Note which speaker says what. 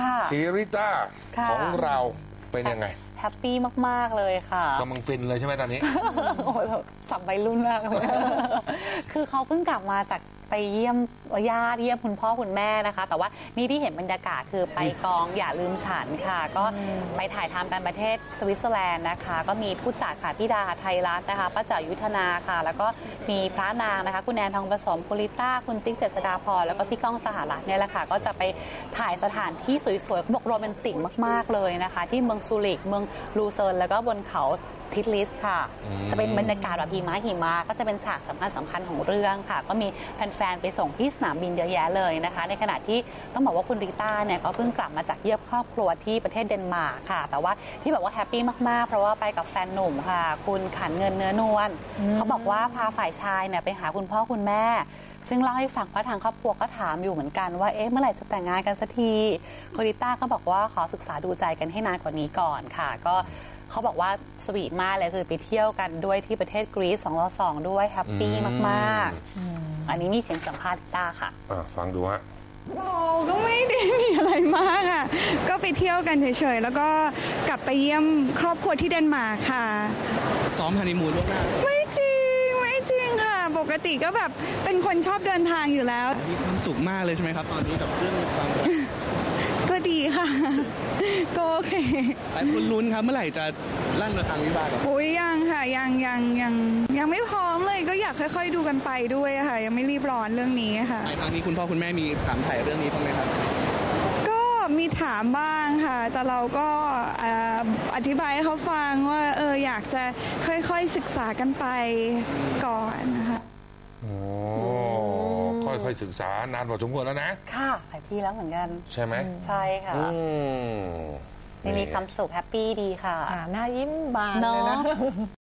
Speaker 1: ศรีริต้าของเราเป็นยังไง
Speaker 2: แฮปปี้มากๆเลยค่ะ
Speaker 1: กำลังฟินเลยใช่ไหมตอนนี้
Speaker 2: โอ้โหสับใบรุ่นมากเลยคือเขาเพิ่งกลับมาจากไปเยี่ยมญาติเยี่ยมคุณพ่อคุณแม่นะคะแต่ว่านี่ที่เห็นบรรยากาศคือไปกองอย่าลืมฉันค่ะก็ไปถ่ายทำกันประเทศสวิตเซอร์แลนด์นะคะก็มีผู้จัดค่ะพี่ดาไทยรัฐนะคะป้าจ๋ายุทธนาค่ะแล้วก็มีพระนางนะคะคุณแอนทองผสมคุณลิต้าคุณติ๊กเจษฎาพรแล้วก็พี่ก้องสหรัฐเนี่ยแหละค่ะก็จะไปถ่ายสถานที่สวยๆบอกโรแมนติกมากๆเลยนะคะที่เมืองซูริกเมืองลูเซิร์นแล้วก็บนเขาทิทลิสค่ะจะเป็นบรรยากาศแบบหิมะก็จะเป็นฉากสำคัญของเรื่องค่ะก็มีแฟนๆไปส่งที่สนามบินเยอะแยะเลยนะคะในขณะที่ต้องบอกว่าคุณริต้าเนี่ยก็เพิ่งกลับมาจากเยี่ยมครอบครัวที่ประเทศเดนมาร์กค่ะแต่ว่าที่บอกว่าแฮปปี้มากๆเพราะว่าไปกับแฟนหนุ่มค่ะคุณขันเงินเนื้อนวลเขาบอกว่าพาฝ่ายชายเนี่ยไปหาคุณพ่อคุณแม่ซึ่งเล่าให้ฟังว่าทางครอบครัวก็ถามอยู่เหมือนกันว่าเมื่อไหร่จะแต่งงานกันสักทีคุณริต้าก็บอกว่าขอศึกษาดูใจกันให้นานกว่านี้ก่อนค่ะก็เขาบอกว่าสวีทมากเลยคือไปเที่ยวกันด้วยที่ประเทศกรีซ2+2ด้วยแฮปปี้มากๆอันนี้มีเสียงสัมภาษณ์ต้าค่ะ
Speaker 1: ฟังดูฮะ
Speaker 3: ก็ไม่ได้มีอะไรมากอ่ะก็ไปเที่ยวกันเฉยๆแล้วก็กลับไปเยี่ยมครอบครัวที่เดนมาร์กค่ะ
Speaker 4: ซ้อมฮันนีมูนล่วงหน้า
Speaker 3: ไม่จริงค่ะปกติก็แบบเป็นคนชอบเดินทางอยู่แล้ว
Speaker 4: มีความสุขมากเลยใช่ไหมครับตอนนี้กับเรื่องความ
Speaker 3: ก็ดีค่ะก็โอเค
Speaker 4: หลายคนลุ้นครับเมื่อไหร่จะลั่นระฆังวิวาห์ครับ
Speaker 3: อุ้ยยังค่ะยังไม่พร้อมเลยก็อยากค่อยๆดูกันไปด้วยค่ะยังไม่รีบร้อนเรื่องนี้ค่ะ
Speaker 4: ในครั้งนี้คุณพ่อคุณแม่มีถามถ่ายเรื่องนี้บ้างไหมครับ
Speaker 3: ก็มีถามบ้างค่ะแต่เราก็อธิบายให้เขาฟังว่าอยากจะค่อยๆศึกษากันไปก่อนนะคะ
Speaker 1: ค่อยๆศึกษานานพอสมควรแล้วนะ
Speaker 2: ค่ะหลายปีแล้วเหมือนกัน
Speaker 1: ใช่ไหม
Speaker 2: ใช่ค่ะมีความสุขแฮปปี้ดีค่ะ
Speaker 5: หน้ายิ้มบานเลยนะ